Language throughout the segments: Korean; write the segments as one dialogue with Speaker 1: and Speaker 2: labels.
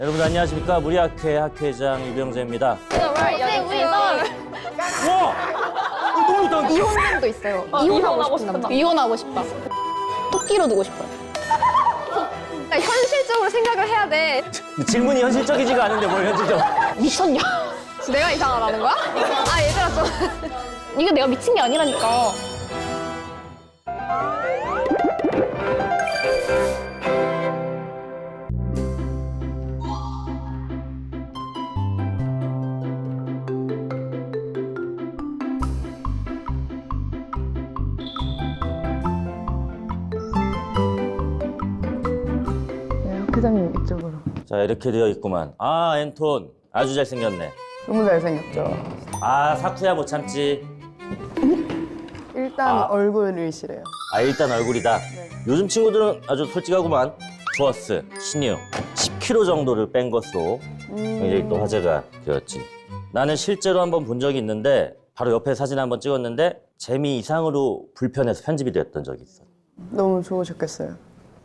Speaker 1: 여러분 안녕하십니까? 무리학회 학회장 유병재입니다. 와! 너무 좋다.
Speaker 2: 이혼남도 있어요. 이혼하고 싶은 남자. 이혼하고 싶다. 토끼로 두고 싶어요. 그러니까 현실적으로 생각을 해야 돼.
Speaker 1: 질문이 현실적이지가 않은데 뭘 현실적?
Speaker 2: 미쳤냐? 내가 이상하다는 거야? 아 얘들아 좀. 이게 내가 미친 게 아니라니까.
Speaker 3: 학회장님 이쪽으로.
Speaker 1: 자 이렇게 되어 있구만. 아 앤톤 아주 잘생겼네.
Speaker 3: 너무 잘생겼죠?
Speaker 1: 아 사쿠야 못 참지.
Speaker 3: 일단 얼굴이 시래요.
Speaker 1: 아 일단 얼굴이다. 요즘 친구들은 아주 솔직하구만. 주어스, 신유 10kg 정도를 뺀 것으로 굉장히 또 화제가 되었지. 나는 실제로 한번 본 적이 있는데 바로 옆에 사진 한번 찍었는데 재미 이상으로 불편해서 편집이 되었던 적이 있어.
Speaker 3: 너무 좋으셨겠어요.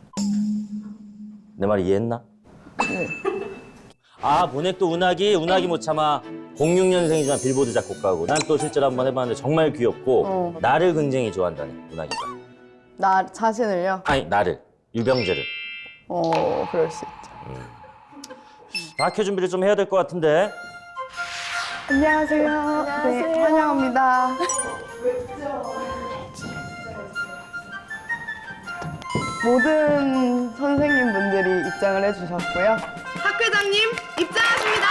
Speaker 1: 내 말 이해했나?
Speaker 3: 네.
Speaker 1: 아 보넥도 운하기 못 참아. 06년생이지만 빌보드 작곡가고 난 또 실제로 한번 해봤는데 정말 귀엽고 나를 굉장히 좋아한다네 운하기가.
Speaker 3: 나 자신을요?
Speaker 1: 아니 나를 유병재를.
Speaker 3: 그럴 수 있죠.
Speaker 1: 학회 준비를 좀 해야 될 것 같은데.
Speaker 3: 안녕하세요. 네, 환영합니다. 모든 선생님분들이 입장을 해주셨고요. 학회장님 입장하십니다.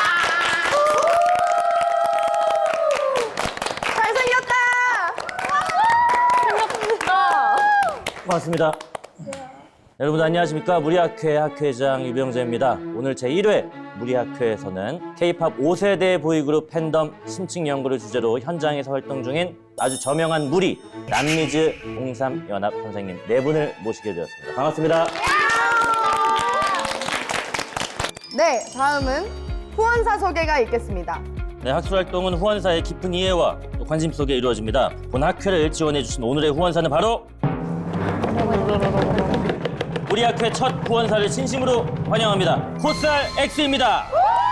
Speaker 3: 잘생겼다.
Speaker 1: 고맙습니다. 여러분 안녕하십니까? 무리학회 학회장 유병재입니다. 오늘 제1회 무리학회에서는 K-POP 5세대 보이그룹 팬덤 심층 연구를 주제로 현장에서 활동 중인 아주 저명한 무리 남미즈 03연합 선생님 네 분을 모시게 되었습니다. 반갑습니다.
Speaker 3: 네, 다음은 후원사 소개가 있겠습니다.
Speaker 1: 네, 학술 활동은 후원사의 깊은 이해와 또 관심 속에 이루어집니다. 본 학회를 지원해 주신 오늘의 후원사는 바로 우리 학회 첫 후원사를 진심으로 환영합니다. 코스알 X입니다.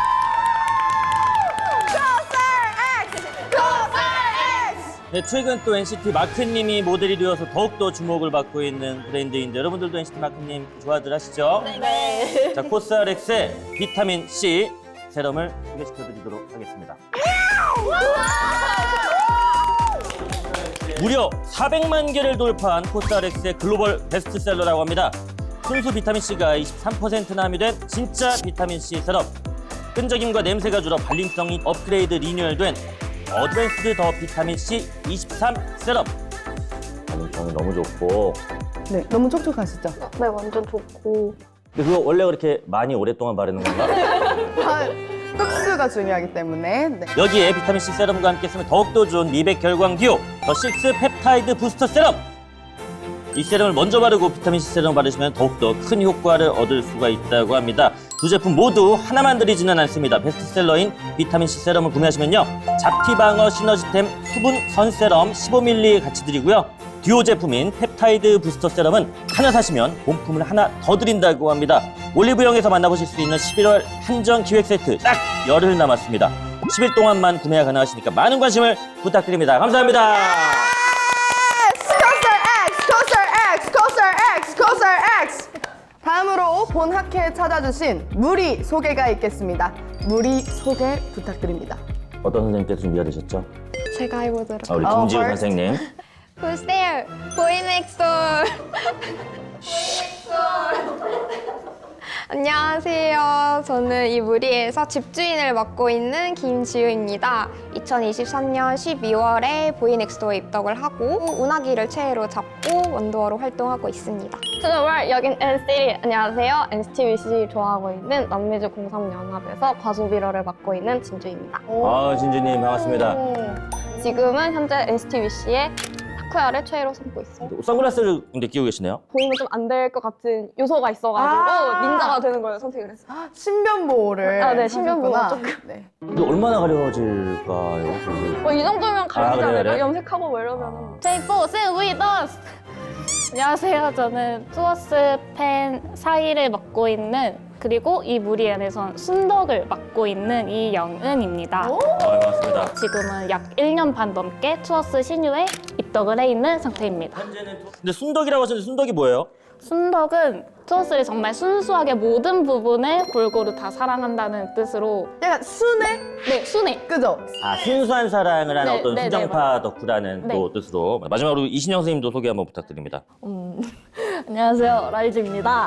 Speaker 1: 네, 최근 또 NCT 마크님이 모델이 되어서 더욱더 주목을 받고 있는 브랜드인데 여러분들도 NCT 마크님 좋아들 하시죠? 네. 자, 코스알 X의 비타민 C 세럼을 소개시켜드리도록 하겠습니다. 무려 400만 개를 돌파한 코스알 X의 글로벌 베스트셀러라고 합니다. 순수 비타민C가 23%나 함유된 진짜 비타민C 세럼. 끈적임과 냄새가 줄어 발림성이 업그레이드 리뉴얼된 어드밴스드 더 비타민C 23 세럼. 발림성이 너무 좋고.
Speaker 3: 네, 너무 촉촉하시죠?
Speaker 2: 네 완전 좋고.
Speaker 1: 근데 그거 원래 그렇게 많이 오랫동안 바르는 건가?
Speaker 3: 흡수가 중요하기 때문에. 네.
Speaker 1: 여기에 비타민C 세럼과 함께 쓰면 더욱더 좋은 미백 결광 듀오 더 식스 펩타이드 부스터 세럼. 이 세럼을 먼저 바르고 비타민C 세럼을 바르시면 더욱더 큰 효과를 얻을 수가 있다고 합니다. 두 제품 모두 하나만 드리지는 않습니다. 베스트셀러인 비타민C 세럼을 구매하시면요. 잡티방어 시너지템 수분 선세럼 15ml 같이 드리고요. 듀오 제품인 펩타이드 부스터 세럼은 하나 사시면 본품을 하나 더 드린다고 합니다. 올리브영에서 만나보실 수 있는 11월 한정 기획 세트 딱 열흘 남았습니다. 10일 동안만 구매가 가능하시니까 많은 관심을 부탁드립니다. 감사합니다.
Speaker 3: 다음으로 본 학회에 찾아주신 무리 소개가 있겠습니다. 무리 소개 부탁드립니다.
Speaker 1: 어떤 선생님께서 준비가 되셨죠?
Speaker 2: 제가 해보도록.
Speaker 1: 우리 김지훈
Speaker 3: first.
Speaker 1: 선생님.
Speaker 2: Who's there? Boy next door. 안녕하세요. 저는 이 무리에서 집주인을 맡고 있는 김지우입니다. 2023년 12월에 보이넥스도어에 입덕을 하고 운하기를 최애로 잡고 원더어로 활동하고 있습니다.
Speaker 4: 정말 여긴 NCT. 안녕하세요. NCT 위시 좋아하고 있는 남미즈 03연합에서 과소비러를 맡고 있는 진주입니다.
Speaker 1: 아 진주님 반갑습니다.
Speaker 4: 지금은 현재 NCT 위시의 타쿠야를 최애로 삼고 있습니다.
Speaker 1: 선글라스를 근데 끼고 계시네요.
Speaker 4: 보이면 좀 안 될 것 같은 요소가 있어가지고 닌자가 되는 걸 선택을 했어요.
Speaker 3: 신변 보호를
Speaker 4: 네, 신변 보호
Speaker 3: 하셨구나.
Speaker 4: 조금.
Speaker 3: 네.
Speaker 1: 근데 얼마나 가려질까요?
Speaker 4: 이 정도면 가리지
Speaker 1: 그래요,
Speaker 4: 않을까?
Speaker 1: 그래요?
Speaker 4: 염색하고 뭐 이러면은.
Speaker 2: Take 4, sing with us.
Speaker 5: 안녕하세요. 저는 투어스 팬 사이를 맡고 있는 그리고 이 무리 안에선 순덕을 맡고 있는 이영은입니다.
Speaker 1: 반갑습니다.
Speaker 5: 지금은 약 1년 반 넘게 투어스 신유에 입덕을 해 있는 상태입니다.
Speaker 1: 근데 순덕이라고 하셨는데 순덕이 뭐예요?
Speaker 5: 순덕은 투어스를 정말 순수하게 모든 부분을 골고루 다 사랑한다는 뜻으로
Speaker 3: 약간 순해?
Speaker 5: 네, 순해.
Speaker 3: 그죠?
Speaker 1: 아, 순수한 사랑을 하는
Speaker 5: 네,
Speaker 1: 어떤
Speaker 5: 네,
Speaker 1: 수정파 덕후라는
Speaker 5: 네.
Speaker 1: 또 뜻으로. 마지막으로 이신영 선생님도 소개 한번 부탁드립니다.
Speaker 4: 안녕하세요. 라이즈입니다.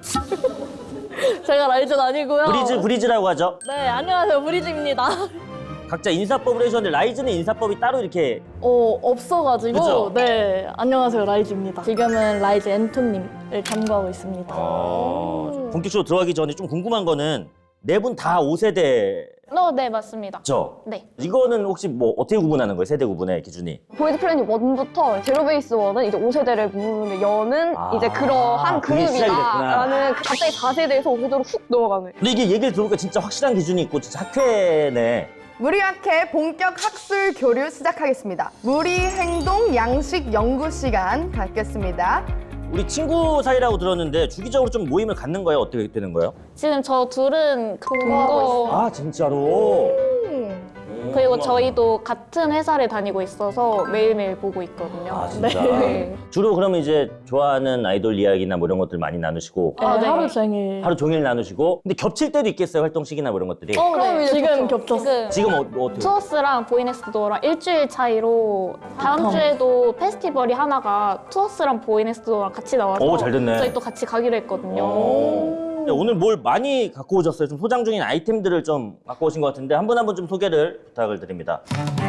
Speaker 4: 제가 라이즈는 아니고요.
Speaker 1: 브리즈라고 하죠.
Speaker 4: 네, 안녕하세요. 브리즈입니다.
Speaker 1: 각자 인사법을 해주셨는데 라이즈는 인사법이 따로 이렇게
Speaker 4: 없어가지고
Speaker 1: 그죠?
Speaker 4: 네, 안녕하세요. 라이즈입니다. 지금은 라이즈 앤토님을 참고하고 있습니다.
Speaker 1: 본격적으로 들어가기 전에 좀 궁금한 거는 네 분 다 5세대죠?
Speaker 5: 네, 맞습니다. 네.
Speaker 1: 이거는 혹시 뭐 어떻게 구분하는 거예요? 세대 구분의 기준이?
Speaker 4: 보이드 플래닛 1부터 제로베이스 1은 이제 5세대를 부르는데 연은
Speaker 1: 아,
Speaker 4: 이제 그러한
Speaker 1: 그게 시작이 됐구나.
Speaker 4: 그룹이다라는 갑자기 4세대에서 5세대로 훅 넘어가는.
Speaker 1: 근데 이게 얘기를 들어보니까 진짜 확실한 기준이 있고 진짜 학회네.
Speaker 3: 무리학회 본격 학술 교류 시작하겠습니다. 무리 행동 양식 연구 시간 갖겠습니다.
Speaker 1: 우리 친구 사이라고 들었는데 주기적으로 좀 모임을 갖는 거예요? 어떻게 되는 거예요?
Speaker 5: 지금 저 둘은 동거
Speaker 1: 아 진짜로?
Speaker 5: 그리고 저희도 같은 회사를 다니고 있어서 매일매일 보고 있거든요.
Speaker 1: 아 진짜?
Speaker 5: 네.
Speaker 1: 주로 그러면 이제 좋아하는 아이돌 이야기나 뭐 이런 것들 많이 나누시고
Speaker 5: 네.
Speaker 4: 하루 종일.
Speaker 1: 하루 종일 나누시고 근데 겹칠 때도 있겠어요? 활동 시기나 뭐 이런 것들이?
Speaker 5: 네.
Speaker 4: 지금 겹쳤어.
Speaker 5: 지금
Speaker 1: 어떻게?
Speaker 5: 투어스랑 보이넥스트도어랑 일주일 차이로 다음 주에도 페스티벌이 하나가 투어스랑 보이넥스트도어랑 같이 나와서
Speaker 1: 오, 잘 됐네.
Speaker 5: 저희 또 같이 가기로 했거든요.
Speaker 1: 오늘 뭘 많이 갖고 오셨어요? 좀 소장 중인 아이템들을 좀 갖고 오신 것 같은데 한 분 한 분 좀 소개를 부탁을 드립니다.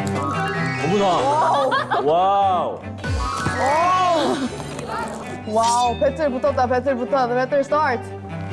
Speaker 1: 어머나! 와우!
Speaker 3: 와우, 배틀 붙었다, 배틀 붙었다, 배틀 스타트.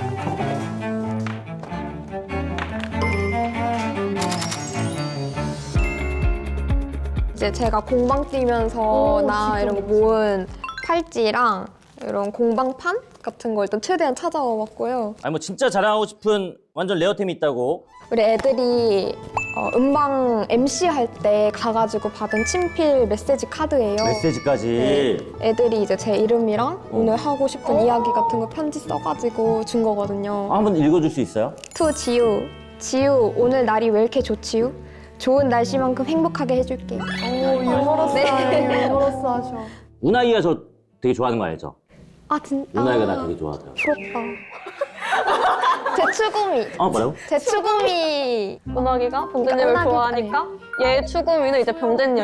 Speaker 2: 이제 제가 공방 뛰면서나 이런 거 모은 팔찌랑 이런 공방판 같은 거 일단 최대한 찾아와 봤고요.
Speaker 1: 아니 뭐 진짜 자랑하고 싶은 완전 레어템이 있다고.
Speaker 2: 우리 애들이 음방 MC 할 때 가가지고 받은 친필 메시지 카드예요.
Speaker 1: 메시지까지.
Speaker 2: 애들이 이제 제 이름이랑 오늘 하고 싶은 이야기 같은 거 편지 써가지고 준 거거든요.
Speaker 1: 한번 읽어줄 수 있어요?
Speaker 2: 투 지우, 지우 오늘 날이 왜 이렇게 좋지우? 좋은 날씨만큼 행복하게 해줄게.
Speaker 3: 오, 유머러스하네, 유머러스하셔.
Speaker 1: 운하이가 저 되게 좋아하는 거 알죠?
Speaker 2: 아 진짜?
Speaker 1: 운하이가 나 되게 좋아하더라고.
Speaker 2: 부럽다. 제 추구미.
Speaker 1: 뭐라고?
Speaker 2: 제 추구미.
Speaker 4: 문학이가 병재님을
Speaker 2: 문학이-
Speaker 4: 좋아하니까 얘 추구미는 이제 병재님.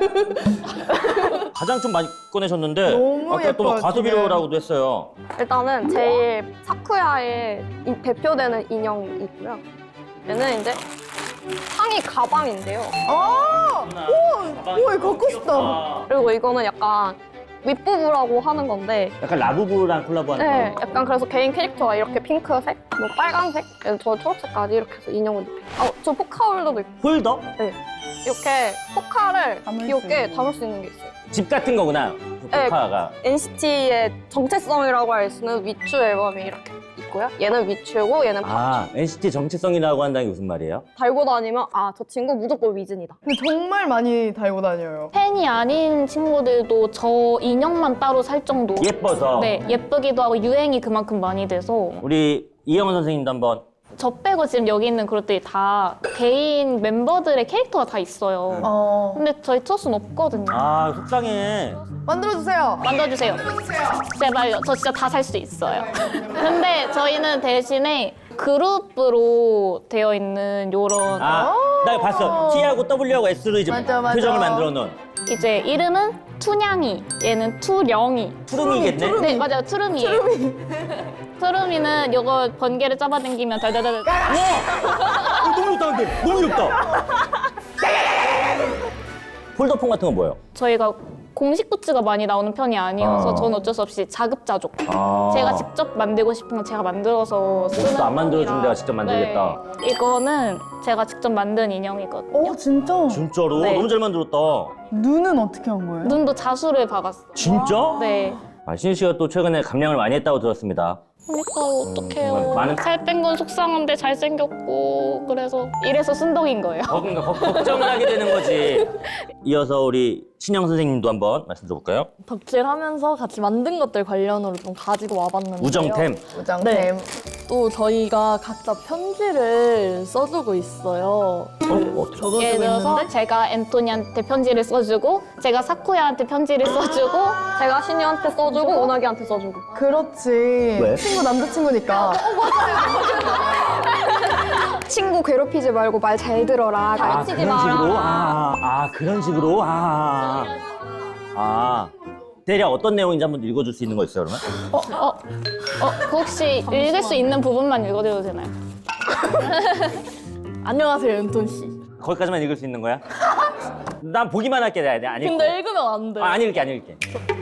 Speaker 1: 가장 좀 많이 꺼내셨는데
Speaker 3: 너무
Speaker 1: 아까 또 막
Speaker 3: 예뻐요,
Speaker 1: 과소비료라고도 했어요.
Speaker 4: 일단은 제일 사쿠야의 대표되는 인형이 있고요. 얘는 이제 상의 가방인데요.
Speaker 3: 오, 이거 갖고 싶다.
Speaker 4: 그리고 이거는 약간 윗부부라고 하는 건데
Speaker 1: 약간 라부부랑 콜라보하는
Speaker 4: 네,
Speaker 1: 거.
Speaker 4: 약간 그래서 개인 캐릭터가 이렇게 핑크색, 뭐 빨간색, 저 초록색까지 이렇게 해서 인형을 입혀요. 저 포카홀더도 있고
Speaker 1: 홀더?
Speaker 4: 이렇게 포카를
Speaker 3: 담을 수
Speaker 4: 귀엽게
Speaker 3: 있는.
Speaker 4: 담을 수 있는 게 있어요.
Speaker 1: 집 같은 거구나.
Speaker 4: 네.
Speaker 1: 포카가.
Speaker 4: NCT의 정체성이라고 할 수 있는 위추 앨범이 이렇게 있고요. 얘는 위추고 얘는
Speaker 1: 아, NCT 정체성이라고 한다는 게 무슨 말이에요?
Speaker 4: 달고 다니면 아, 저 친구 무조건 위즌이다.
Speaker 3: 근데 정말 많이 달고 다녀요.
Speaker 5: 팬이 아닌 친구들도 저 인형만 따로 살 정도.
Speaker 1: 예뻐서.
Speaker 5: 네, 예쁘기도 하고 유행이 그만큼 많이 돼서
Speaker 1: 우리 이영원 선생님도 한번.
Speaker 5: 저 빼고 지금 여기 있는 그룹들이 다 개인 멤버들의 캐릭터가 다 있어요. 근데 저희 투어스는 없거든요.
Speaker 1: 아, 속상해.
Speaker 3: 만들어주세요.
Speaker 5: 만들어주세요. 제발요. 저 진짜 다 살 수 있어요. 근데 저희는 대신에 그룹으로 되어 있는 요런
Speaker 1: 나 이거 봤어. T하고 W하고 S로 이제
Speaker 3: 맞아, 맞아.
Speaker 1: 표정을 만들어 놓은.
Speaker 5: 이제 이름은 투냥이, 얘는 투령이.
Speaker 1: 푸름이겠네?
Speaker 5: 네, 맞아요. 투름이에요. 투름이는 요거 번개를 잡아당기면 달달달.
Speaker 1: 너무 좋다, 근데. 너무 귀엽다. 폴더폰 같은 건 뭐예요?
Speaker 5: 저희가 공식 굿즈가 많이 나오는 편이 아니어서
Speaker 1: 아.
Speaker 5: 저는 어쩔 수 없이 자급자족.
Speaker 1: 아.
Speaker 5: 제가 직접 만들고 싶은 건 제가 만들어서 쓰는
Speaker 1: 옷도 안 만들어주면
Speaker 5: 편이라.
Speaker 1: 내가 직접 만들겠다.
Speaker 5: 네. 이거는 제가 직접 만든 인형이거든요.
Speaker 3: 진짜?
Speaker 1: 진짜로?
Speaker 5: 네.
Speaker 1: 너무 잘 만들었다.
Speaker 3: 눈은 어떻게 한 거예요?
Speaker 5: 눈도 자수를 박았어요.
Speaker 1: 진짜?
Speaker 5: 네.
Speaker 1: 신유 씨가 또 최근에 감량을 많이 했다고 들었습니다.
Speaker 5: 그러니까 어떡해요.
Speaker 1: 많은-
Speaker 5: 살 뺀 건 속상한데 잘생겼고 그래서 이래서 순덕인 거예요.
Speaker 1: 그러니까 걱정을 하게 되는 거지. 이어서 우리 신영 선생님도 한번 말씀 들어볼까요?
Speaker 6: 덕질하면서 같이 만든 것들 관련으로 좀 가지고 와봤는데요.
Speaker 1: 우정템.
Speaker 3: 우정템.
Speaker 6: 네. 또 저희가 각자 편지를 써주고 있어요. 적어주고
Speaker 5: 예를 들어서
Speaker 6: 있는데
Speaker 5: 제가 앤토니한테 편지를 써주고 제가 사쿠야한테 편지를 써주고
Speaker 4: 제가 신유한테 써주고 운하기한테 써주고.
Speaker 3: 그렇지.
Speaker 1: 왜?
Speaker 3: 친구 남자친구니까.
Speaker 2: 친구 괴롭히지 말고 말 잘 들어라.
Speaker 1: 그런 식으로? 그런 식으로? 대략 어떤 내용인지 한번 읽어줄 수 있는 거 있어요, 그러면?
Speaker 5: 그 혹시 읽을 수 있는 부분만 읽어드려도 되나요?
Speaker 6: 안녕하세요, 은톤 씨.
Speaker 1: 거기까지만 읽을 수 있는 거야? 난 보기만 할게, 내가 안 읽고.
Speaker 6: 근데 읽으면 안 돼.
Speaker 1: 안 읽을게, 안 읽을게.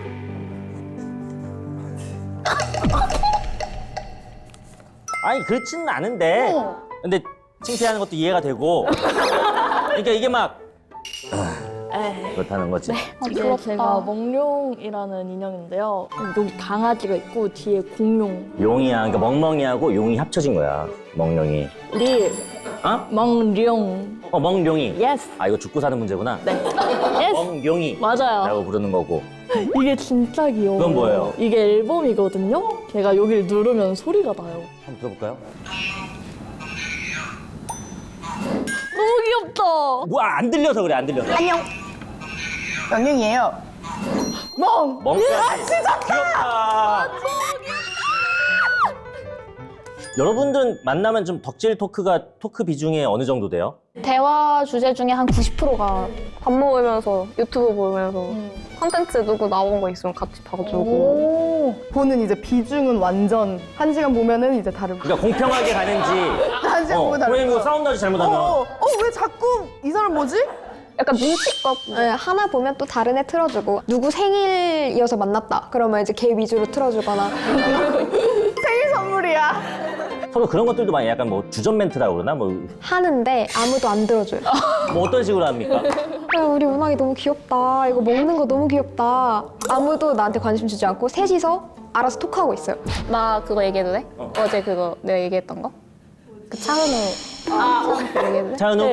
Speaker 1: 아니, 그렇지는 않은데. 근데 칭찬하는 것도 이해가 되고. 그러니까 이게 막. 그렇다는 거지.
Speaker 6: 이게 제가 멍룡이라는 인형인데요. 여기 강아지가 있고 뒤에 공룡.
Speaker 1: 용이야. 그러니까 멍멍이하고 용이 합쳐진 거야. 멍룡이.
Speaker 6: 리
Speaker 1: 어?
Speaker 6: 멍룡.
Speaker 1: 멍룡이.
Speaker 6: 예스.
Speaker 1: 아, 이거 죽고 사는 문제구나.
Speaker 6: 네. 예스.
Speaker 1: 멍룡이.
Speaker 6: 맞아요.
Speaker 1: 라고 부르는 거고.
Speaker 6: 이게 진짜 귀여워요.
Speaker 1: 그건 뭐예요?
Speaker 6: 이게 앨범이거든요. 제가 여기를 누르면 소리가 나요.
Speaker 1: 한번 들어볼까요?
Speaker 6: 너무 귀엽다.
Speaker 1: 뭐, 안 들려서 그래, 안 들려서.
Speaker 3: 안녕. 영영이에요. 멍.
Speaker 1: 멍까지. 귀엽다. 여러분들은 만나면 좀 덕질 토크 비중이 어느 정도 돼요?
Speaker 5: 대화 주제 중에 한 90%가
Speaker 4: 밥 먹으면서 유튜브 보면서 컨텐츠 누구 나온 거 있으면 같이 봐주고.
Speaker 3: 오. 보는 이제 비중은 완전 1시간 보면은 이제 다르고.
Speaker 1: 그러니까 공평하게 가는지.
Speaker 3: 1시간 보면 다르고.
Speaker 1: 선생님 이거 사운드까지 잘못하면.
Speaker 3: 왜 자꾸 이 사람 뭐지?
Speaker 4: 약간 눈치껏
Speaker 2: 네, 하나 보면 또 다른 애 틀어주고 누구 생일이어서 만났다. 그러면 이제 걔 위주로 틀어주거나.
Speaker 3: 생일 선물이야.
Speaker 1: 서로 그런 것들도 많이 약간 뭐 주전 멘트라고 그러나? 뭐
Speaker 2: 하는데 아무도 안 들어줘요.
Speaker 1: 뭐 어떤 식으로 합니까?
Speaker 2: 야, 우리 운항이 너무 귀엽다. 이거 먹는 거 너무 귀엽다. 아무도 나한테 관심 주지 않고 셋이서 알아서 톡하고 있어요.
Speaker 5: 나 그거 얘기해도 돼? 어제 그거 내가 얘기했던 거? 그 차은우 얘기해도 돼?
Speaker 1: 차은우?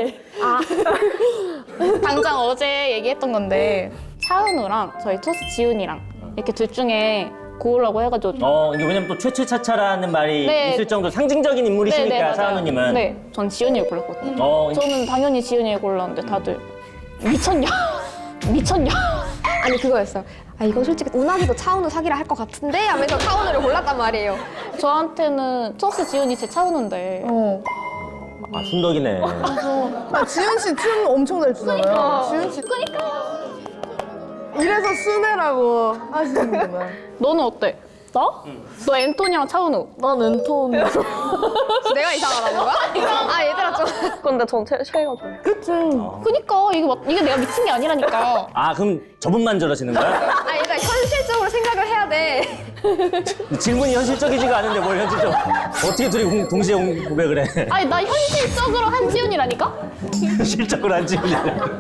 Speaker 5: 당장 어제 얘기했던 건데 차은우랑 저희 토스 지훈이랑 이렇게 둘 중에 고르라고 해가지고
Speaker 1: 이게 왜냐면 또 최최차차라는 말이
Speaker 5: 네.
Speaker 1: 있을 정도로 상징적인 인물이시니까,
Speaker 5: 맞아요.
Speaker 1: 차은우님은.
Speaker 5: 네, 전 지훈이를 골랐거든요.
Speaker 1: 이제
Speaker 5: 저는 당연히 지훈이를 골랐는데 다들 미쳤냐? 미쳤냐?
Speaker 2: 아니 그거였어요. 이거 솔직히 운항이도 차은우 사기라 할 것 같은데 하면서 차은우를 골랐단 말이에요.
Speaker 5: 저한테는 토스 지훈이 제 차은우인데
Speaker 1: 순덕이네.
Speaker 3: 지은 씨 춤 엄청 잘 추잖아요. 지은 씨. 이래서 순애라고 하시는구나.
Speaker 5: 너는 어때?
Speaker 6: 나?
Speaker 5: 너 앤토니랑 차은우
Speaker 6: 난 은톤.
Speaker 2: 내가 이상하다는 거야? 얘들아 좀.
Speaker 4: 근데 전 쉐이가 좋아요.
Speaker 3: 그치.
Speaker 5: 그니까 이게 내가 미친 게 아니라니까.
Speaker 1: 그럼 저분만 저러시는 거야?
Speaker 2: 일단 현실적으로 생각을 해야 돼.
Speaker 1: 질문이 현실적이지가 않은데 뭘 현실적? 어떻게 둘이 동시에 고백을 해?
Speaker 5: 아니 나 현실적으로 한지훈이라니까?
Speaker 1: 현실적으로 안 찍으려.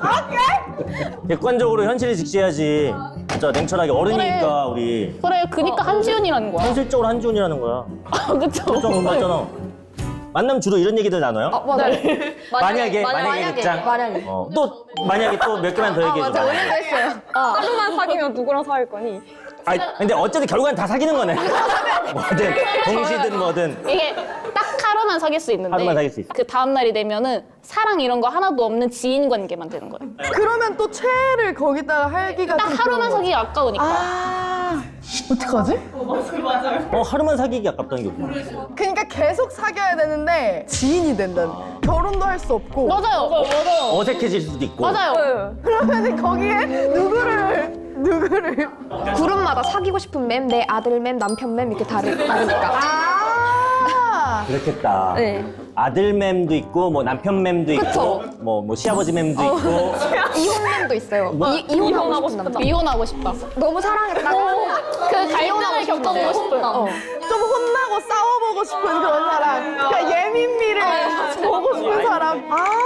Speaker 1: 객관적으로 현실을 직시해야지. 진짜 냉철하게 어른이니까 우리.
Speaker 5: 그래 그니까 한지훈이라는 거야.
Speaker 1: 현실적으로 한지훈이라는 거야.
Speaker 5: 그쵸?
Speaker 1: 좀 맞잖아. 만나면 주로 이런 얘기들 나눠요?
Speaker 2: 맞아요.
Speaker 1: 만약에 입장.
Speaker 2: 만약에.
Speaker 1: 또 만약에 또 몇 개만 더 얘기해 줘.
Speaker 2: 맞아 오늘도 했어요.
Speaker 4: 하루만 사귀면 누구랑 사귈 거니?
Speaker 1: 근데 어쨌든 결과는 다 사귀는 거네. 뭐든 동시든 뭐든.
Speaker 5: 이게 딱 하루만 사귈 수 있는데
Speaker 1: 하루만 사귈 수 있어.
Speaker 5: 그 다음 날이 되면은 사랑 이런 거 하나도 없는 지인 관계만 되는 거예요.
Speaker 3: 그러면 또 최애를 거기다가 할기가
Speaker 5: 딱
Speaker 3: 좀
Speaker 5: 하루만
Speaker 3: 그런
Speaker 5: 사귀기 아까우니까.
Speaker 3: 어떡하지?
Speaker 1: 하루만 사귀기 아깝다는 게 뭐야?
Speaker 3: 그러니까 계속 사귀어야 되는데 지인이 된다는. 결혼도 할 수 없고.
Speaker 5: 맞아요.
Speaker 1: 어색해질 수도 있고.
Speaker 5: 맞아요.
Speaker 3: 그러면 거기에 누구를
Speaker 2: 그룹마다 사귀고 싶은 맴, 내 아들 맴, 남편 맴 이렇게 다르니까.
Speaker 1: 그렇겠다.
Speaker 2: 네.
Speaker 1: 아들 맴도 있고 뭐 남편 맴도 있고
Speaker 2: 그쵸.
Speaker 1: 뭐 시아버지 맴도 있고.
Speaker 2: 이혼 맴도 있어요. 이혼하고 싶은 남자.
Speaker 5: 미혼하고 싶다.
Speaker 2: 너무 사랑했다가
Speaker 5: 그 갈등을 겪어보고 싶은.
Speaker 3: 좀 혼나고 싸워보고 싶은 그런 사람. 그러니까 예민미를 보고 싶은 사람.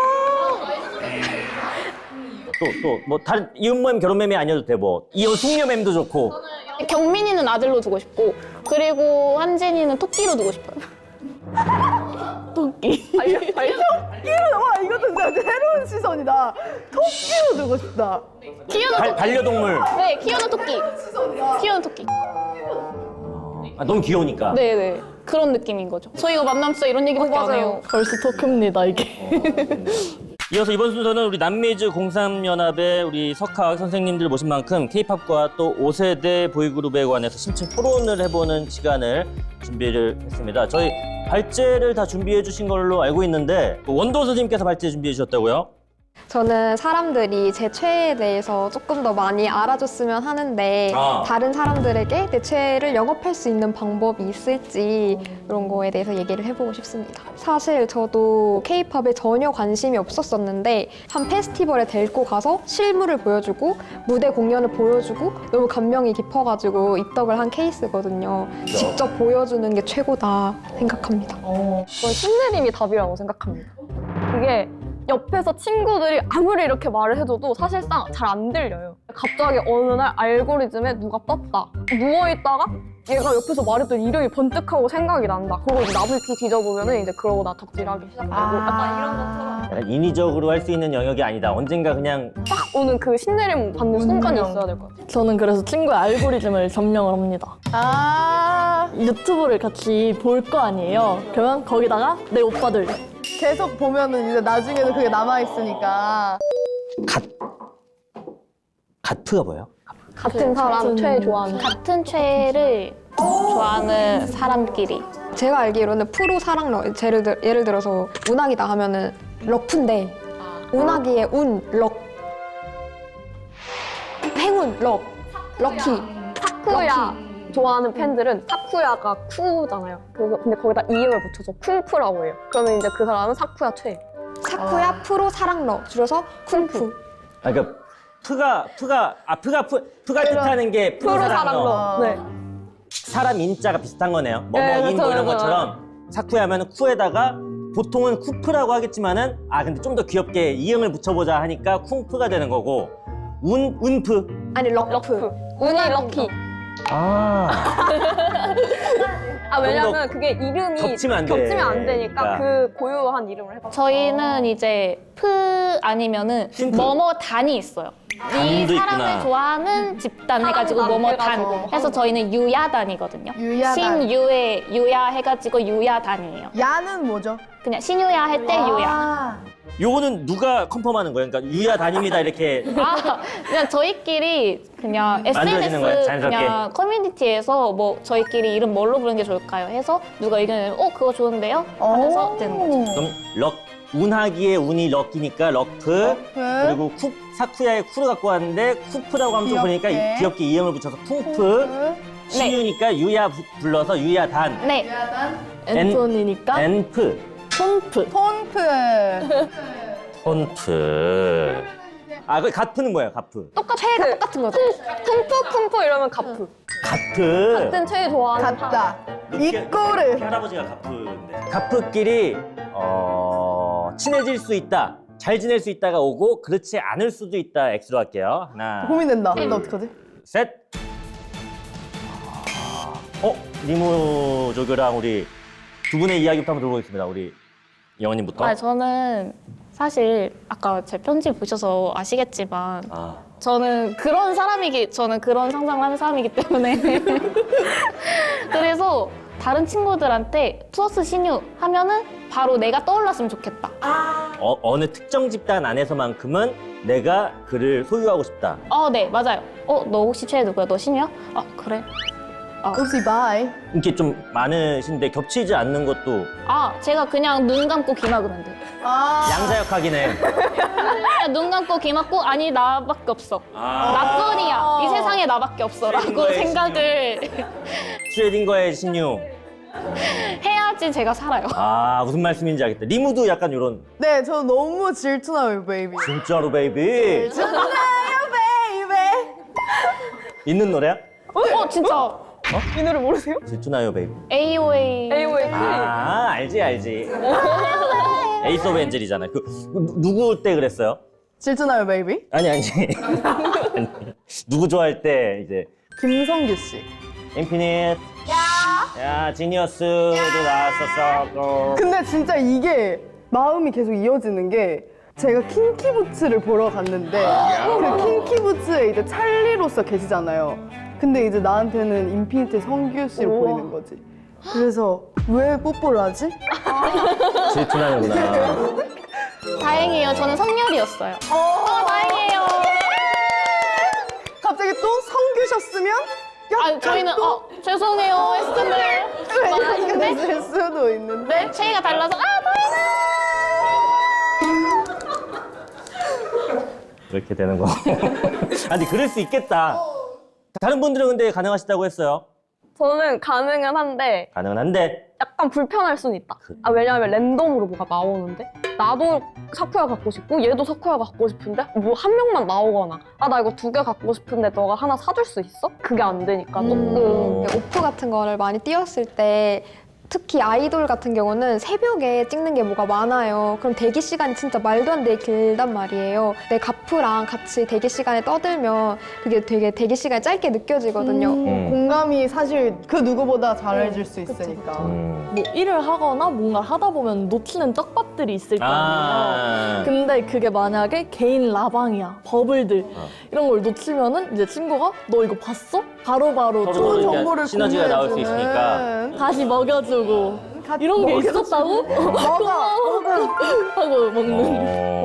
Speaker 1: 또 뭐 다른 이혼 맴 결혼 맴이 아니어도 돼. 뭐 이혼 숙녀 맴도 좋고.
Speaker 5: 경민이는 아들로 두고 싶고 그리고 한진이는 토끼로 두고 싶어요.
Speaker 6: 토끼.
Speaker 3: 와, 이것도 진짜 새로운 시선이다. 토끼로 두고 싶다.
Speaker 5: 키우는 토끼.
Speaker 1: 반려동물.
Speaker 5: 네, 키우는 토끼. 키우는 토끼.
Speaker 1: 아, 너무 귀여우니까.
Speaker 5: 네네. 그런 느낌인 거죠. 저희가 만나면 진짜 이런 얘기밖에 안 해요.
Speaker 6: 벌써 토크입니다, 이게.
Speaker 1: 이어서 이번 순서는 우리 남미즈 03연합의 우리 석학 선생님들 모신 만큼 K-팝과 또 5세대 보이그룹에 관해서 심층 토론을 해보는 시간을 준비를 했습니다. 저희 발제를 다 준비해 주신 걸로 알고 있는데 원도 선생님께서 발제 준비해 주셨다고요?
Speaker 2: 저는 사람들이 제 최애에 대해서 조금 더 많이 알아줬으면 하는데 다른 사람들에게 내 최애를 영업할 수 있는 방법이 있을지 이런 거에 대해서 얘기를 해보고 싶습니다. 사실 저도 K-팝에 전혀 관심이 없었었는데 한 페스티벌에 데리고 가서 실물을 보여주고 무대 공연을 보여주고 너무 감명이 깊어가지고 입덕을 한 케이스거든요. 직접 보여주는 게 최고다 생각합니다.
Speaker 4: 저는 신내림이 답이라고 생각합니다. 이게 옆에서 친구들이 아무리 이렇게 말을 해줘도 사실상 잘 안 들려요. 갑자기 어느 날 알고리즘에 누가 떴다. 누워있다가 얘가 옆에서 말했던 이름이 번뜩하고 생각이 난다. 그리고 이제 나불피 뒤져보면은 이제 그러고 나 덕질하기 시작하고 약간 이런 것처럼
Speaker 1: 약간 인위적으로 할 수 있는 영역이 아니다. 언젠가 그냥
Speaker 4: 딱 오는 그 신내림 받는 순간이 있어야 될 것 같아요.
Speaker 6: 저는 그래서 친구의 알고리즘을 점령을 합니다. 유튜브를 같이 볼 거 아니에요. 그러면 거기다가 내 오빠들.
Speaker 3: 계속 보면은 이제 나중에도 그게 남아있으니까.
Speaker 1: 가트가 뭐예요?
Speaker 4: 같은 사람 최애 좋아하는
Speaker 5: 같은 최애를 좋아하는 사람끼리.
Speaker 2: 제가 알기로는 프로 사랑 예를 들어서 운학이다 하면은 럭프인데 운학이의 운, 럭 행운, 럭키
Speaker 4: 사쿠야 좋아하는 팬들은 사쿠야가 쿠잖아요. 그래서 근데 거기다 이음을 붙여서 쿵푸라고 해요. 그러면 이제 그 사람은 사쿠야 최애.
Speaker 2: 사쿠야 프로 사랑러 줄여서 쿵푸.
Speaker 1: 아, 그러니까 프가 뜻하는 게 프로사랑러.
Speaker 4: 네.
Speaker 1: 사람 인자가 비슷한 거네요.
Speaker 4: 네,
Speaker 1: 뭐뭐인
Speaker 4: 그쵸,
Speaker 1: 뭐 이런
Speaker 4: 그쵸.
Speaker 1: 것처럼 사쿠야 하면 쿠에다가 보통은 쿠프라고 하겠지만은 근데 좀 더 귀엽게 이응을 붙여보자 하니까 쿵프가 되는 거고 운프.
Speaker 2: 아니 럭프.
Speaker 4: 운이 럭키. 왜냐면 그게 이름이
Speaker 1: 겹치면 안
Speaker 4: 겹치면 되니까
Speaker 1: 되니까.
Speaker 4: 그 고유한 이름을 해봐.
Speaker 5: 저희는 이제 프 아니면은
Speaker 1: 심프.
Speaker 5: 뭐뭐 단이 있어요. 이
Speaker 1: 단도
Speaker 5: 사람을
Speaker 1: 있구나.
Speaker 5: 좋아하는 집단 해가지고
Speaker 4: 사람단
Speaker 5: 뭐뭐 단
Speaker 4: 해가지고
Speaker 5: 해서 저희는 유야단이거든요.
Speaker 3: 유야단.
Speaker 5: 신유의 유야 해가지고 유야단이에요.
Speaker 3: 야는 뭐죠?
Speaker 5: 그냥 신유야 할 때 유야.
Speaker 1: 요거는 누가 컨펌하는 거예요? 그러니까 유야 다닙니다 이렇게.
Speaker 5: 그냥 저희끼리 그냥
Speaker 1: 만들어지는 거예요,
Speaker 5: SNS
Speaker 1: 자연스럽게?
Speaker 5: 그냥 커뮤니티에서 뭐 저희끼리 이름 뭘로 부르는 게 좋을까요? 해서 누가 의견을 그거 좋은데요? 하면서 되는 거죠.
Speaker 1: 그럼 운하기의 운이 럭키니까 럭프. 그리고 사쿠야의 쿠를 갖고 왔는데 쿠프라고 하면 좀 보니까
Speaker 3: 귀엽게.
Speaker 1: 귀엽게 이음을 붙여서 쿵프. 신유니까 유야 불러서 유야단.
Speaker 5: 네.
Speaker 6: 앤토니니까
Speaker 1: 엔프.
Speaker 6: 톤프.
Speaker 3: 톤프.
Speaker 1: 톤프. 그 가프는 뭐예요? 가프.
Speaker 4: 최애가 똑같은 거죠. 쿵푸 이러면 가프.
Speaker 1: 가프.
Speaker 4: 같은 최애 좋아하는
Speaker 3: 같다.
Speaker 1: 우리
Speaker 3: 이꼬르.
Speaker 1: 할아버지가 가프인데. 가프끼리 친해질 수 있다. 잘 지낼 수 있다가 오고 그렇지 않을 수도 있다. X로 할게요. 하나,
Speaker 3: 고민된다. 나 어떡하지?
Speaker 1: 셋. 리무 조교랑 우리 두 분의 이야기부터 한번 들어보겠습니다. 우리 영원님부터.
Speaker 5: 저는 사실 아까 제 편지 보셔서 아시겠지만 저는 그런 상상을 하는 사람이기 때문에 그래서 다른 친구들한테 투어스 신유 하면은 바로 내가 떠올랐으면 좋겠다.
Speaker 1: 어느 특정 집단 안에서만큼은 내가 그를 소유하고 싶다.
Speaker 5: 네, 맞아요. 너 혹시 최애 누구야? 너 신유야? 그래.
Speaker 3: 옵시 바이.
Speaker 1: 이렇게 좀 많으신데 겹치지 않는 것도
Speaker 5: 제가 그냥 눈 감고 귀 막으면 돼.
Speaker 1: 양자역학이네.
Speaker 5: 그냥 눈 감고 귀 막고 아니 나밖에 없어. 나뿐이야. 이 세상에 나밖에 없어라고
Speaker 1: 슈레딩거의
Speaker 5: 생각을
Speaker 1: 슈레딩거의 신유.
Speaker 5: 해야지 제가 살아요.
Speaker 1: 무슨 말씀인지 알겠다. 리무도 약간 이런
Speaker 3: 네, 저 너무 질투나요, 베이비.
Speaker 1: 진짜로 베이비
Speaker 3: 질투나요, 베이비.
Speaker 1: 있는 노래야?
Speaker 5: 진짜
Speaker 4: 이 노래 모르세요?
Speaker 1: 질투나요 베이비.
Speaker 5: AOA.
Speaker 1: 알지. 에이스 오브 엔젤이잖아. 누구 때 그랬어요?
Speaker 3: 질투나요, 베이비?
Speaker 1: 아니. 아니. 누구 좋아할 때 이제
Speaker 3: 김성규 씨.
Speaker 1: 인피니트. 야, 지니어스도 나왔었어.
Speaker 3: 근데 진짜 이게 마음이 계속 이어지는 게 제가 킹키부츠를 보러 갔는데 그 킹키부츠에 이제 찰리로서 계시잖아요. 근데 이제 나한테는 인피니트 성규 씨로 보이는 거지. 그래서 왜 뽀뽀를 하지?
Speaker 1: 질투나는구나.
Speaker 5: 다행이에요. 저는 성렬이었어요. 다행이에요.
Speaker 3: 갑자기 또 성규셨으면
Speaker 5: 아, 저희는 죄송해요 했음을 말하는데
Speaker 3: 될 수도 있는데
Speaker 5: 체이가 달라서 다행이다.
Speaker 1: 그렇게 되는 거. 아니, 그럴 수 있겠다. 다른 분들은 근데 가능하시다고 했어요.
Speaker 4: 저는 가능은 한데
Speaker 1: 가능은 한데.
Speaker 4: 약간 불편할 수는 있다. 왜냐하면 랜덤으로 뭐가 나오는데 나도 사쿠야 갖고 싶고 얘도 사쿠야 갖고 싶은데 뭐 한 명만 나오거나 나 이거 2개 갖고 싶은데 너가 하나 사줄 수 있어? 그게 안 되니까 조금
Speaker 2: 오프 같은 거를 많이 띄웠을 때 특히 아이돌 같은 경우는 새벽에 찍는 게 뭐가 많아요. 그럼 대기 시간이 진짜 말도 안 되게 길단 말이에요. 내 가프랑 같이 대기 시간에 떠들면 그게 되게 대기 시간이 짧게 느껴지거든요.
Speaker 3: 공감이 사실 그 누구보다 잘해줄 수 있으니까.
Speaker 6: 뭐 일을 하거나 뭔가 하다 보면 놓치는 떡밥들이 있을 거 아니에요. 근데 그게 만약에 개인 라방이야, 버블들 이런 걸 놓치면은 이제 친구가 너 이거 봤어? 바로바로
Speaker 1: 서로
Speaker 3: 좋은
Speaker 1: 이렇게
Speaker 3: 정보를
Speaker 1: 시너지가 나올 수
Speaker 3: 공유해주는.
Speaker 1: 있으니까.
Speaker 6: 다시 먹여주고 이런 게 있었다고?
Speaker 3: 먹어.
Speaker 6: 하고 먹는.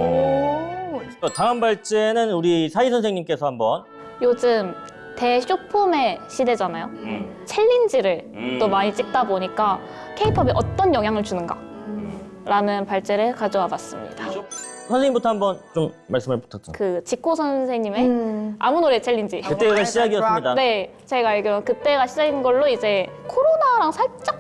Speaker 1: 다음 발제는 우리 사희 선생님께서 한번.
Speaker 5: 요즘 대쇼폼의 시대잖아요. 챌린지를 또 많이 찍다 보니까 K-팝에 어떤 영향을 주는가 라는 발제를 가져와 봤습니다.
Speaker 1: 선생님부터 한번 좀 말씀을 부탁드립니다.
Speaker 5: 그 지코 선생님의 아무 노래 챌린지.
Speaker 1: 그때가 시작이었습니다.
Speaker 5: 네, 제가 알기로는 그때가 시작인 걸로 이제 코로나랑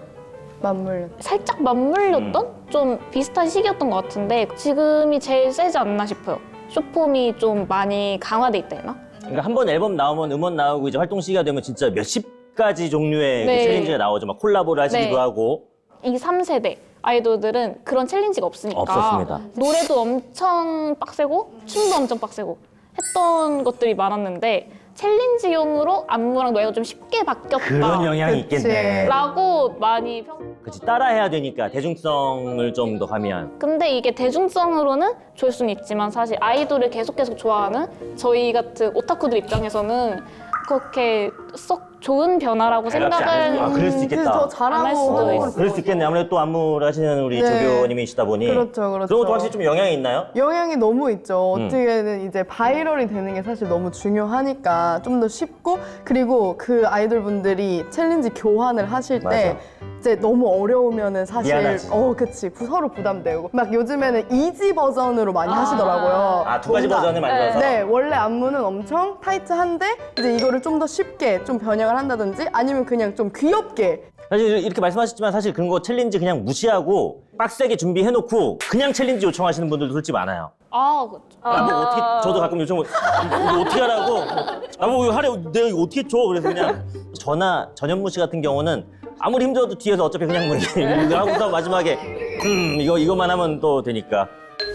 Speaker 5: 살짝 맞물렸던 좀 비슷한 시기였던 것 같은데 지금이 제일 세지 않나 싶어요. 쇼폼이 좀 많이 강화돼 있다 했나?
Speaker 1: 그러니까 한 번 앨범 나오면 음원 나오고 이제 활동 시기가 되면 진짜 몇십 가지 종류의 그
Speaker 5: 네.
Speaker 1: 챌린지가 나오죠. 막 콜라보를 하시기도
Speaker 5: 네.
Speaker 1: 하고.
Speaker 5: 이 3세대 아이돌들은 그런 챌린지가 없으니까
Speaker 1: 없었습니다.
Speaker 5: 노래도 엄청 빡세고 춤도 엄청 빡세고 했던 것들이 많았는데 챌린지용으로 안무랑 노래가 좀 쉽게 바뀌었다
Speaker 1: 그런 영향이
Speaker 3: 그치.
Speaker 1: 있겠네.
Speaker 5: 라고 많이
Speaker 1: 그치, 따라해야 되니까 대중성을 좀 더 가미한.
Speaker 5: 근데 이게 대중성으로는 좋을 수는 있지만 사실 아이돌을 계속 좋아하는 저희 같은 오타쿠들 입장에서는 그렇게 썩 좋은 변화라고 생각을
Speaker 1: 그럴 수
Speaker 3: 그래서 더
Speaker 1: 있겠다.
Speaker 5: 안할 수도
Speaker 3: 잘하고.
Speaker 5: 있어요.
Speaker 1: 그럴 수 있겠네. 아무래도 또 안무를 하시는 우리
Speaker 3: 네.
Speaker 1: 조교님이시다 보니.
Speaker 3: 그렇죠, 그렇죠.
Speaker 1: 그런 것도 확실히 좀 영향이 있나요?
Speaker 3: 영향이 너무 있죠. 어떻게든 이제 바이럴이 되는 게 사실 너무 중요하니까 좀 더 쉽고 그리고 그 아이돌 분들이 챌린지 교환을 하실 때 이제 너무 어려우면은 사실
Speaker 1: 미안하지.
Speaker 3: 그치 서로 부담되고 막 요즘에는 이지 버전으로 많이 하시더라고요.
Speaker 1: 아, 두 가지
Speaker 3: 뭔가-
Speaker 1: 버전을 만들어서?
Speaker 3: 네, 원래 안무는 엄청 타이트한데 이제 이거를 좀 더 쉽게 좀 변형을 한다든지 아니면 그냥 좀 귀엽게
Speaker 1: 사실 이렇게 말씀하셨지만 사실 그런 거 챌린지 그냥 무시하고 빡세게 준비해놓고 그냥 챌린지 요청하시는 분들도 솔직히 많아요.
Speaker 5: 그렇죠.
Speaker 1: 뭐 어떻게 저도 가끔 요청 이거 어떻게 하라고 뭐 이거 하래 내가 이거 어떻게 줘 그래서 그냥 저나 전현무 씨 같은 경우는 아무리 힘들어도 뒤에서 어차피 그냥 뭐 이렇게 하고서 마지막에 이거만 하면 또 되니까.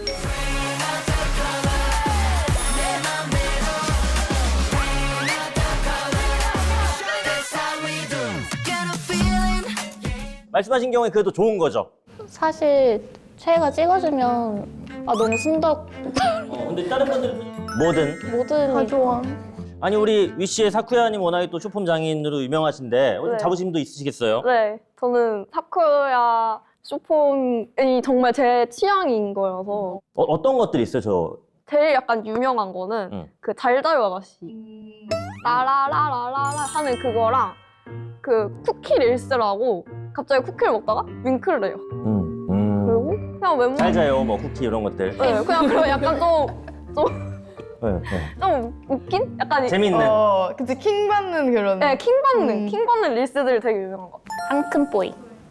Speaker 1: 말씀하신 경우에 그래도 좋은 거죠.
Speaker 5: 사실 최애가 찍어주면 너무 순덕
Speaker 1: 근데 다른 분들은 뭐든
Speaker 5: 모든
Speaker 3: 좋아.
Speaker 1: 아니 우리 위씨의 사쿠야님 워낙에 또 쇼폼 장인으로 유명하신데
Speaker 4: 네.
Speaker 1: 자부심도 있으시겠어요?
Speaker 4: 네, 저는 사쿠야 쇼폼이 정말 제 취향인 거여서
Speaker 1: 어떤 것들이 있어요? 저
Speaker 4: 제일 약간 유명한 거는 그 잘 자요 아가씨 라라라라라라 하는 그거랑 그 쿠키 릴스라고 갑자기 쿠키를 먹다가 윙크를 해요. 그리고 그냥 웬만
Speaker 1: 잘 자요, 뭐 쿠키 이런 것들.
Speaker 4: 네, 그냥 그런 약간
Speaker 1: 네, 네.
Speaker 4: 좀 웃긴? 약간
Speaker 1: 재밌는.
Speaker 3: 그치 킹 받는 그런.
Speaker 4: 네, 킹 받는 릴스들이 되게 유명한 것 같아요.
Speaker 5: 앙큼뽀이.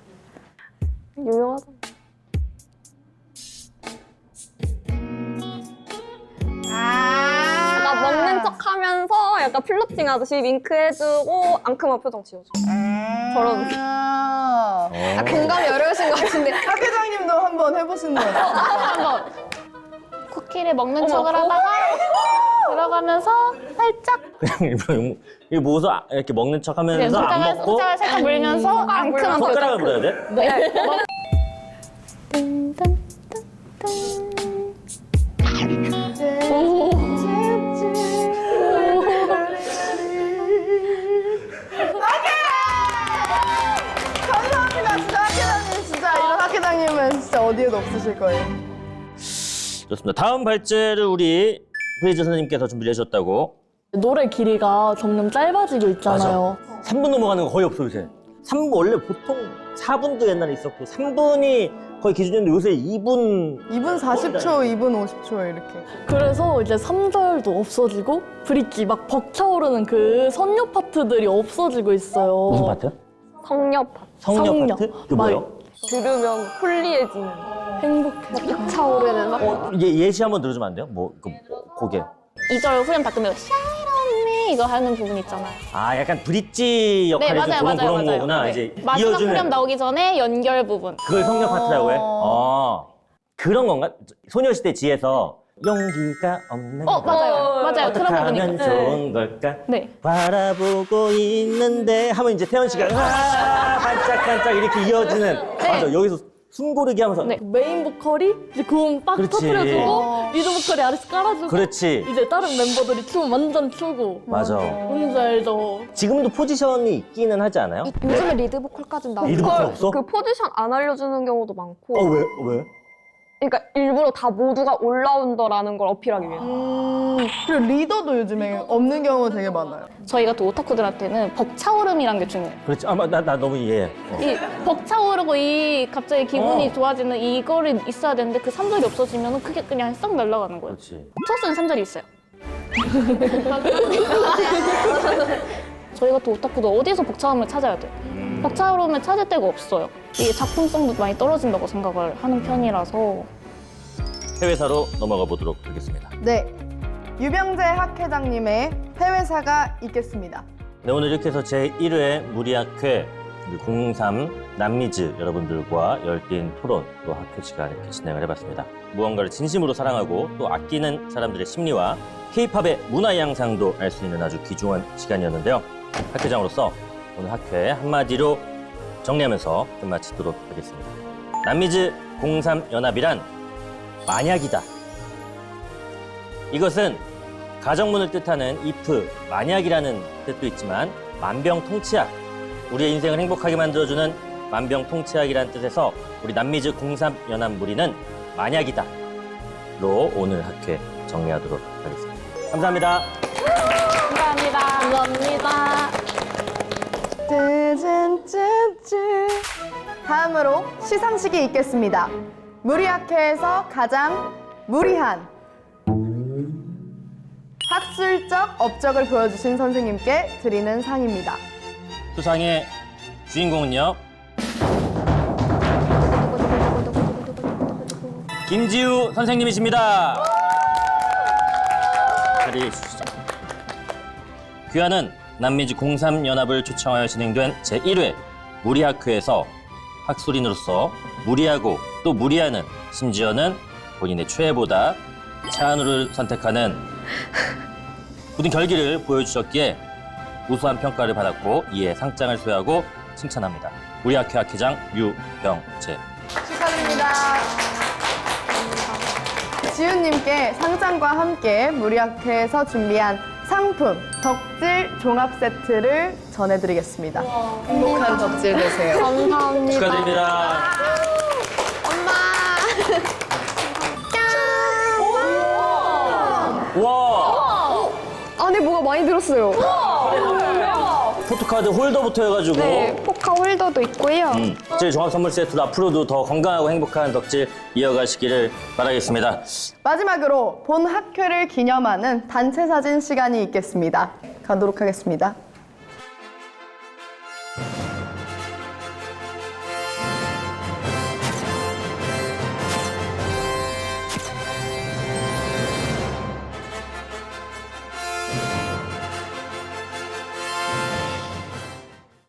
Speaker 4: 유명하다. 나 먹는 척 하면서 약간 플러팅 하듯이 윙크 해주고 앙큼한 표정 지어줘. 저런 느낌.
Speaker 2: 공감이 어려우신 것 같은데.
Speaker 3: 학 회장님도 한번 해보시는 거 어때요?
Speaker 5: 쿠키를 먹는
Speaker 4: 어머,
Speaker 5: 척을 하다가 들어가면서 살짝
Speaker 1: 그냥 일부러 이 모서 이렇게 먹는 척 하면서 안
Speaker 5: 손가락을
Speaker 1: 먹고
Speaker 5: 손가락을 살짝 물면서 앙큼한
Speaker 1: 손가락을
Speaker 5: 표정.
Speaker 1: 물어야 돼?
Speaker 5: 네.
Speaker 3: 감사합니다. 진짜 학회장님 진짜 이런 학회장님은 진짜 어디에도 없으실 거예요.
Speaker 1: 좋습니다. 다음 발제를 우리 프리즈 선생님께서 준비를 해주셨다고.
Speaker 6: 노래 길이가 점점 짧아지고 있잖아요.
Speaker 1: 3분 넘어가는 거 거의 없어 요새. 3분 원래 보통 4분도 옛날에 있었고 3분이 거의 기준이었는데 요새 2분
Speaker 3: 2분 40초, 2분 50초 이렇게.
Speaker 6: 그래서 이제 3절도 없어지고 브릿지 막 벅차오르는 그 선율 파트들이 없어지고 있어요.
Speaker 1: 무슨 파트?
Speaker 4: 성녀
Speaker 1: 성녀
Speaker 6: 성녀.
Speaker 1: 파트? 그게 뭐예요?
Speaker 4: 들으면 홀리해지는
Speaker 6: 행복해.
Speaker 4: 차오르는 막
Speaker 1: 예시 한번 들어주면 안 돼요? 곡에.
Speaker 5: 2절 후렴 바꾸면 Shine on me 이거 하는 부분 있잖아요.
Speaker 1: 아 약간 브릿지 역할이
Speaker 5: 네,
Speaker 1: 좀
Speaker 5: 맞아요,
Speaker 1: 그런
Speaker 5: 맞아요, 맞아요.
Speaker 1: 거구나.
Speaker 5: 네.
Speaker 1: 이제
Speaker 5: 마지막
Speaker 1: 이어주는
Speaker 5: 후렴 나오기 전에 연결 부분.
Speaker 1: 그걸 성녀 파트라고 해? 그런 건가? 소녀시대 지에서 용기가 없는
Speaker 5: 맞아요. 맞아요. 그런
Speaker 1: 어떡하면
Speaker 5: 부분이.
Speaker 1: 좋은 걸까?
Speaker 5: 네.
Speaker 1: 바라보고 있는데 하면 이제 태연 씨가 반짝반짝 이렇게 이어지는 맞아 여기서 숨고르기 하면서
Speaker 5: 네.
Speaker 6: 메인 보컬이 이제 고음 빡
Speaker 1: 그렇지.
Speaker 6: 터트려주고 리드 보컬이 아래서 깔아주고
Speaker 1: 그렇지
Speaker 6: 이제 다른 멤버들이 춤 완전 추고
Speaker 1: 맞아
Speaker 6: 뭔지 알죠?
Speaker 1: 지금도 포지션이 있기는 하지 않아요?
Speaker 2: 요즘에 리드 보컬까지 나오고
Speaker 1: 리드 보컬 없어?
Speaker 4: 그 포지션 안 알려주는 경우도 많고
Speaker 1: 왜?
Speaker 4: 그러니까 일부러 다 모두가 올라운더라는 걸 어필하기 위해서
Speaker 3: 그리고 리더도 요즘에 없는 경우가 되게 많아요.
Speaker 5: 저희가 또 오타쿠들한테는 벅차오름이란 게 중요해요.
Speaker 1: 그렇지 나 너무 이해해
Speaker 5: 이 벅차오르고 이 갑자기 기분이 좋아지는 이거를 있어야 되는데 그 3절이 없어지면 그게 그냥 싹 날아가는 거예요.
Speaker 1: 그렇지
Speaker 5: 투어스는 3절이 있어요. 저희가 또 오타쿠도 어디서 벅차오름을 찾아야 돼요. 벅차오름을 찾을 데가 없어요. 이게 작품성도 많이 떨어진다고 생각을 하는 편이라서
Speaker 1: 해외사로 넘어가 보도록 하겠습니다
Speaker 3: 네. 유병재 학회장님의 해외사가 있겠습니다.
Speaker 1: 네, 오늘 이렇게 해서 제1회 무리학회 03 남미즈 여러분들과 열띤 토론 또 학회 시간 이렇게 진행을 해봤습니다. 무언가를 진심으로 사랑하고 또 아끼는 사람들의 심리와 K-팝의 문화 양상도 알 수 있는 아주 귀중한 시간이었는데요. 학회장으로서 오늘 학회 한마디로 정리하면서 끝마치도록 하겠습니다. 남미즈 03 연합이란 만약이다. 이것은 가정문을 뜻하는 if, 만약이라는 뜻도 있지만 만병통치약, 우리의 인생을 행복하게 만들어주는 만병통치약이라는 뜻에서 우리 남미즈 03 연합 무리는 만약이다 로 오늘 학회 정리하도록 하겠습니다. 감사합니다.
Speaker 5: 감사합니다.
Speaker 6: 감사합니다.
Speaker 3: 쯔쯔쯔쯔. 다음으로 시상식이 있겠습니다. 무리학회에서 가장 무리한 학술적 업적을 보여주신 선생님께 드리는 상입니다.
Speaker 1: 수상의 주인공은요. 김지우 선생님이십니다. 자리해 주시죠. 귀하는 남미즈 03 연합을 초청하여 진행된 제1회 무리학회에서 학술인으로서 무리하고 또 무리하는 심지어는 본인의 최애보다 차은우를 선택하는 굳은 결기를 보여주셨기에 우수한 평가를 받았고 이에 상장을 수여하고 칭찬합니다. 우리 학회 학회장 유병재.
Speaker 3: 축하드립니다. 지훈님께 상장과 함께 무리학회에서 준비한 상품 덕질 종합 세트를 전해드리겠습니다. 행복한 덕질 되세요.
Speaker 4: 감사합니다.
Speaker 1: 축하드립니다. 와
Speaker 2: 안에 뭐가 많이 들었어요.
Speaker 1: 포토카드 홀더부터 해가지고
Speaker 2: 네, 포카 홀더도 있고요.
Speaker 1: 덕질 종합 선물 세트도 앞으로도 더 건강하고 행복한 덕질 이어가시기를 바라겠습니다.
Speaker 3: 마지막으로 본 학회를 기념하는 단체 사진 시간이 있겠습니다. 가도록 하겠습니다.